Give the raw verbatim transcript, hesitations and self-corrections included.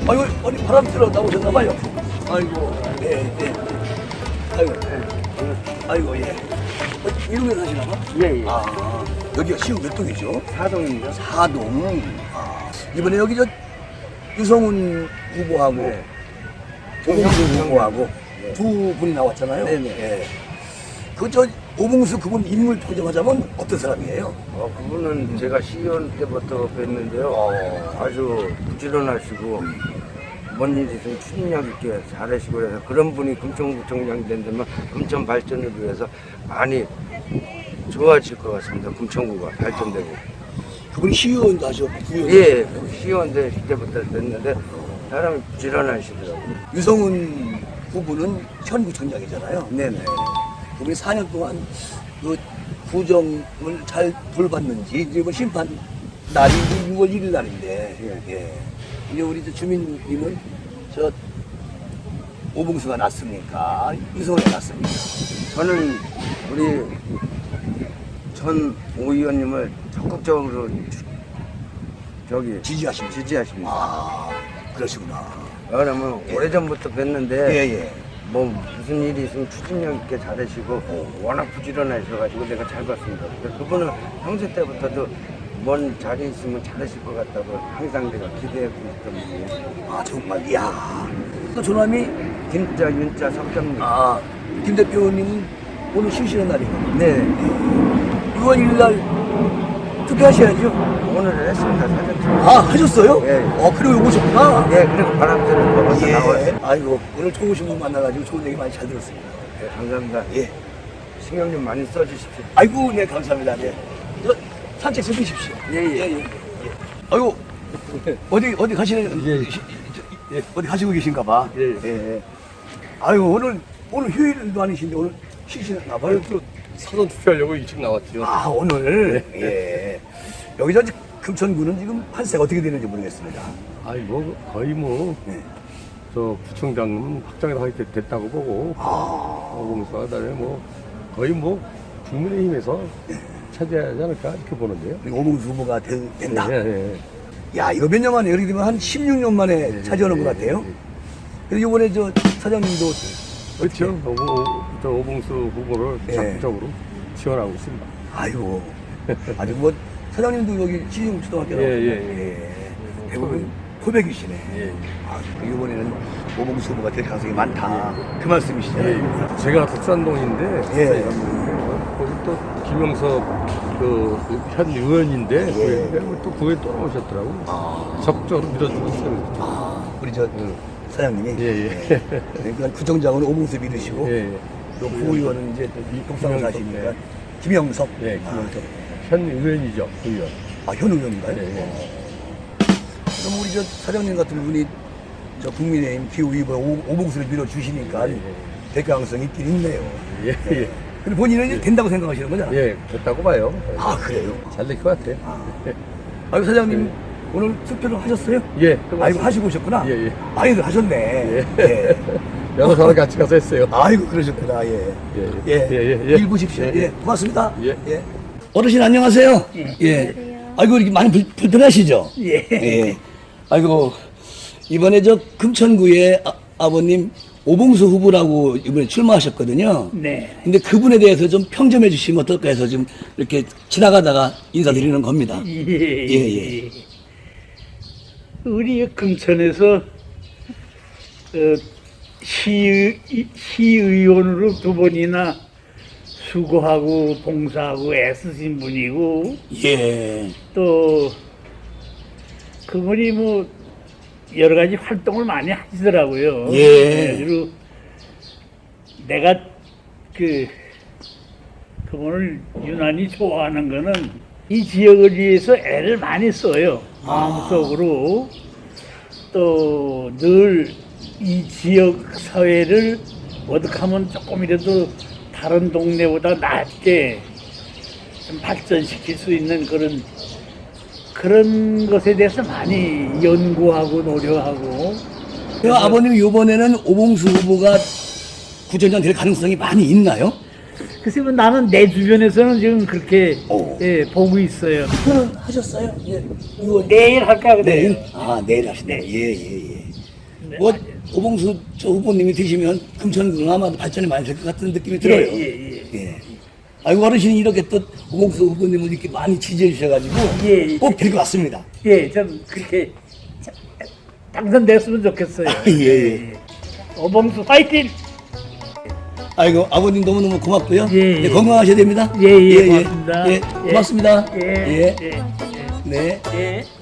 아이고, 어디 바람 틀어 나오셨나봐요. 아이고, 예, 예. 아이고, 예. 아이고, 예. 어, 이름에 사시나봐? 예, 예. 아, 여기가 시흥 몇 동이죠? 사동입니다. 사동. 아, 이번에 여기 저 유성훈 후보하고 네. 오봉수 네. 후보하고 네. 두 분이 나왔잖아요. 네네. 예. 그 저 오봉수 그분 인물 평정하자면 어떤 사람이에요? 어, 그분은 제가 시의원 때부터 뵀는데요. 어. 아주 부지런하시고, 뭔 일이 있으면 추진력 있게 잘하시고 그래서 그런 분이 금천구청장이 된다면 금천 발전을 위해서 많이 좋아질 것 같습니다. 금천구가 발전되고. 그분이 시의원도 하셨고 구의원도 예, 하셨고. 시의원 때부터 뵀는데 사람이 부지런하시더라고요. 유성훈 후보는 현 구청장이잖아요. 네네. 그분이 사 년 동안 그 구정을 잘 돌봤는지 이제 뭐 심판 날이 유월 일일 날인데 예. 예. 이제 우리 저 주민님은 저 오봉수가 났습니까? 유성훈이 났습니까? 저는 우리 전 오 의원님을 적극적으로 주- 저기 지지하십니까? 지지하십니다. 아, 그러시구나. 왜냐면 예. 오래전부터 뵀는데 예, 예. 뭐 무슨 일이 있으면 추진력 있게 잘하시고 워낙 부지런하셔가지고 내가 잘 봤습니다. 근데 그분은 평소 때부터도 뭔 자리 있으면 잘하실 것 같다고 항상 내가 기대하고 있던 분이에요. 아, 정말, 이야. 또 조남이, 김자, 윤자, 석장님. 아, 김 대표님은 오늘 쉬시는 날이거든요. 네. 유월 일일 날 투표하셔야죠. 오늘 했습니다. 사전 투표. 아, 하셨어요? 예. 어, 그리고 오셨구나. 예, 그리고 바람들은 먹어서 예. 나와요. 아이고, 오늘 좋으신 분 만나가지고 좋은 얘기 많이 잘 들었습니다. 네, 감사합니다. 예. 신경 좀 많이 써주십시오. 아이고, 네, 감사합니다. 네. 저, 산책 좀 해주십시오. 예, 예. 예, 예. 아이고, 어디, 어디 가시는, 예. 시- 저, 예, 어디 가시고 계신가 봐. 예. 예. 아이고, 오늘, 오늘 휴일도 아니신데 오늘 쉬시나 봐요. 또 사전 투표하려고 일찍 나왔죠. 아, 오늘. 예. 여기서 이제 금천구는 지금 판세가 어떻게 되는지 모르겠습니다. 아니 뭐 거의 뭐 저 네. 구청장은 확정이 다 이렇게 됐다고 보고 아, 오공수가 그다음에 뭐 거의 뭐 국민의힘에서 차지하지 않을까 이렇게 보는데요. 우리 오봉수 후보가 되- 된다. 예, 예, 예. 야, 이거 몇 년 만에, 예를 들면 한 십육 년 만에 예, 차지하는 예, 것 같아요. 예, 예. 그리고 이번에 저 사장님도 그렇죠. 오보, 저 오봉수 후보를 예. 적극적으로 지원하고 있습니다. 아이고, 아주 뭐, 사장님도 여기 시흥초등학교 예, 나왔고, 예, 대부분 포백이시네. 예. 아, 이번에는 오봉수 후보가 될 가능성이 많다. 그 말씀이시잖아요. 예. 제가 독산동인데 예. 거기 또 김영석 그현 의원인데 예. 그 또 구에 또 나오셨더라고. 아, 적극적으로 밀어주고 있어요. 아, 우리 저 사장님이. 예, 예. 그러니까 구청장은 오봉수 믿으시고, 예, 예. 또 부의원은 이제 독산 김영석, 사시니까 네. 김영석. 예, 김영석. 현 의원이죠, 의원. 아, 현 의원인가요? 예, 예. 그럼 우리 저 사장님 같은 분이 저 국민의힘 기후위원 오봉수를 밀어주시니까 예, 예. 될 가능성이 있긴 있네요. 예, 예. 근데 본인은 이제 된다고 생각하시는 거잖아요. 예, 됐다고 봐요. 아, 그래요? 잘 될 것 같아요. 아유, 사장님 오늘 투표를 하셨어요? 예. 아이고, 하시고 오셨구나? 예, 예. 많이들 하셨네. 예. 예. 여러 사람 같이 가서 했어요. 아이고, 그러셨구나. 예. 예, 예. 예, 예, 예. 일 보십시오. 예, 예. 예. 고맙습니다. 예. 어르신 안녕하세요. 예. 아이고, 이렇게 많이 불, 불편하시죠? 예. 예. 아이고, 이번에 저 금천구에 아, 아버님 오봉수 후보라고 이번에 출마하셨거든요. 네. 근데 그분에 대해서 좀 평점해 주시면 어떨까 해서 좀 이렇게 지나가다가 인사드리는 겁니다. 예. 예, 예. 우리 금천에서 어, 시의, 시의원으로 두 번이나 수고하고 봉사하고 애쓰신 분이고 예. 또 그분이 뭐 여러 가지 활동을 많이 하시더라고요. 예. 그리고 내가 그 그분을 유난히 좋아하는 거는 이 지역을 위해서 애를 많이 써요. 마음속으로 또 늘 이 지역 사회를 어떻게 하면 조금이라도 다른 동네보다 낫게 좀 발전시킬 수 있는 그런 그런 것에 대해서 많이 연구하고 노력하고. 그 아버님 이번에는 오봉수 후보가 구청장 될 가능성이 많이 있나요? 글쎄 뭐 나는 내 주변에서는 지금 그렇게 오. 예, 보고 있어요. 투표는 하셨어요? 예. 이거 내일 할까 그래. 내일? 아, 내일 하시네. 예, 예, 예. 네, 뭐 맞아요. 오봉수 저 후보님이 되시면 금천구는 아마 발전이 많이 될 것 같은 느낌이 들어요. 예, 예, 예. 아이고 어르신이 이렇게 또 오봉수 후보님을 이렇게 많이 지지해 주셔가지고 예, 예. 꼭 될 것 같습니다. 예, 좀 그렇게 자- 당선됐으면 좋겠어요. 예, 예. 오봉수 파이팅! 아이고 아버님 너무너무 고맙고요. 예, 예. 건강하셔야 됩니다. 예, 예, 고맙습니다. 예, 고맙습니다. 예, 예. 예, 네. 예.